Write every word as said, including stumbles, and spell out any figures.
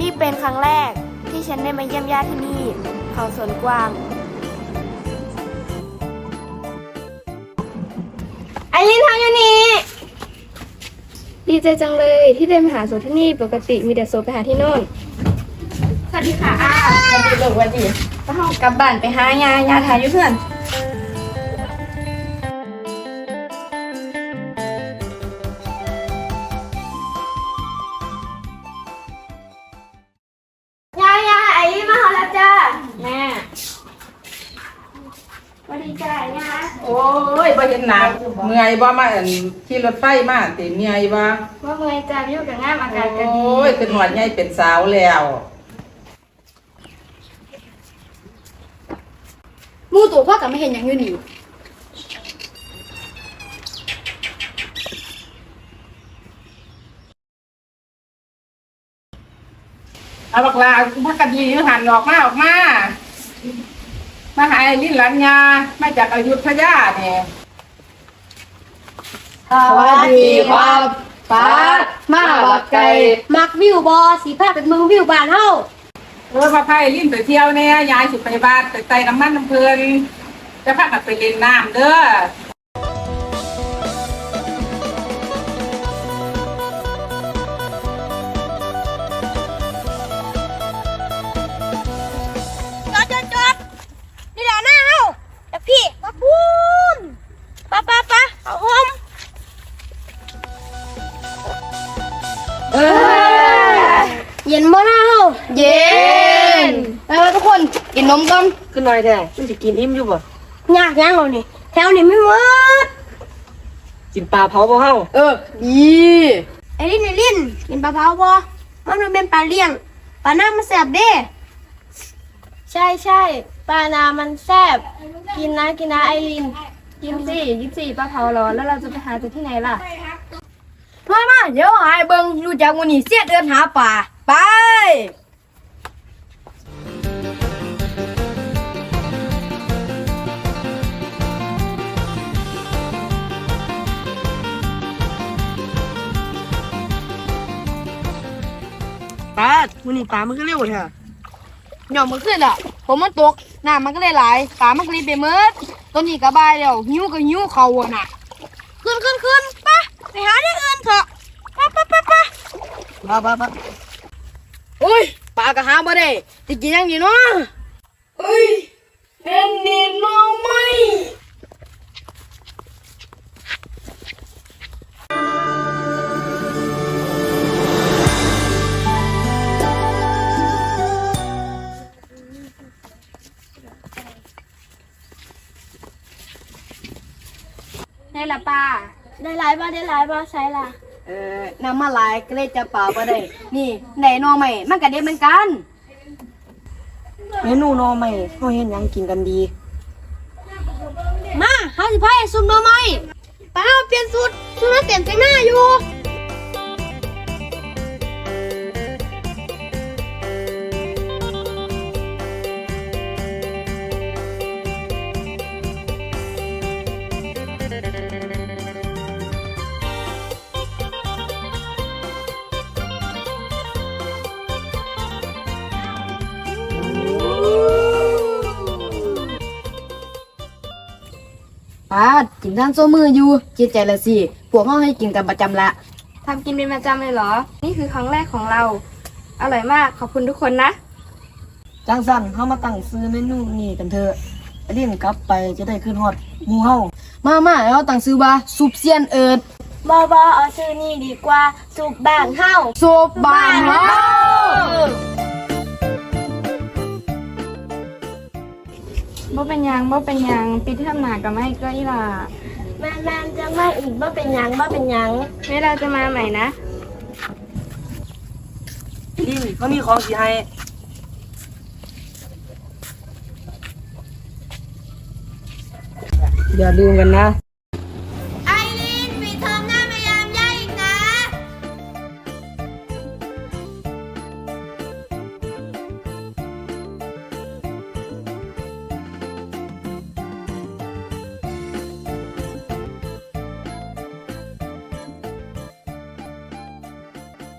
นี่เป็นครั้งแรกที่ฉันได้มาเยี่ยมญาติที่นี่เขาสวนกวางไอรินทำอยู่นี่ดีใจจังเลยที่ได้มาหาโซที่นี่ปกติมีแต่โซไปหาที่โน่นสวัสดีค่ะอ้าสวัสดีลูกสวัสดีก็ห้องกลับบ้านไปหายายาถ่ายอยู่เพื่อนยายาไอ้มาหาแล้วจ้าแม่สวัสดีจ้ายาโอ้ยบ่เห็นหน้าเมื่อยบ่มาอันขี่รถไฟมาติเมื่อยบ่ว่าเมื่อยจ้าอยู่กับงามอากาศก็ดีโอ้ยเป็นหวัดใหญ่เป็นสาวแล้วมูตัวพ่อกับไม่เห็นอย่างอยู่นี่เอาบักลาพักกันดีหันออกมาออกมามาหาไอ้ลิ้นหลานยามาจากอยุธยาเนี่ยสวัสดีครับป้ามาบักไก่มักวิวบอสีผ้าเป็นมือวิวบานเฮาเออมาพายลิ้นไปเที่ยวเนี่ยยายสิไปบ้านไปไต่น้ำมันน้ำเพลินจะพากันไปเล่นน้ำเด้อจอดจอดจอดนี่แหละหน้าเฮาแต่พี่มาพูนป้าป้าป้าเอาหอมเออเย็นบ่หน้าเฮาเย็นแล้วทุกคนกินนมกันขึ้นหน่อยแท้มันจะกินอิ่มอยู่บ่ยากยังเรานี่แถวนี้ไม่หมดกินปลาเผาบ่เฮาเออดีไอ้ลินไอ้ลินกินปลาเผาบ่มันเป็นปลาเลี้ยงปลาหน้ามันแสบเด้ใช่ใช่ปลานามันแสบกินนะกินนะไอลินกินสิกินสิปลาเผาร้อนแล้วเราจะไปหาจากที่ไหนล่ะมามาเดี๋ยวหายเบิ่งรู้จักวันนี้เสียเดินหาปลาไปปลามื้อนี้ปลามันก็เร็วแท้หย่อมมันขึ้นอ่ะผมมันตกน้ำมันก็เลยไหลปลามันก็เลยไปมืดต้นนี้ก็บายแล้วหิวก็หิวเขาอ่ะน่ะขึ้นขึ้นขึ้นไปไปหาที่อื่นเถอะไปไปไปไปปลาปลาปลาโอ้ยปลาก็หาบ่ได้จะกินยังดีเนาะเฮ้ยเป็นดินน้องไหมได้ละป้าได้หลายบ้าได้หลายบ้าใช่ล่ะเออน้ำมาหลายก็เลยจะปลาบ่ได้นี่ไหนนอใหม่มันก็เด็ดเหมือนกันเมนูนอใหม่เฮาเฮ็ดหยังกินกันดีมาห้าสิบไพ่ซุ่มหน่อไม้ป้าเปลี่ยนสูตรสูตรนั้นเต็มใจหน้าอยู่ปลากินทานโซมืออยู่คิดใจละสิพวกเฮาให้กินกันประจำละทำกินเป็นประจำเลยเหรอนี่คือครั้งแรกของเราอร่อยมากขอบคุณทุกคนนะจังสั่นเฮามาตั้งซื้อเมนูนี้กันเถอะไอ้ดินกลับไปจะได้ขึ้นฮอดหมู่เฮามามาแล้วตั้งซื้อว่าซุปเซียนเอิดบอบอเอาชื่อนี่ดีกว่าสุบบ้านเฮาซุปบ้านเฮาบ่เป็นยังบ่เป็นยังปีที่ทำหนากับไม่ก็อีหล่ะแม่แม่จะไม่อีกบ่เป็นยังบ่เป็นยังเวลาจะมาใหม่นะดินเขามีของสิให้อย่าลืมกันนะ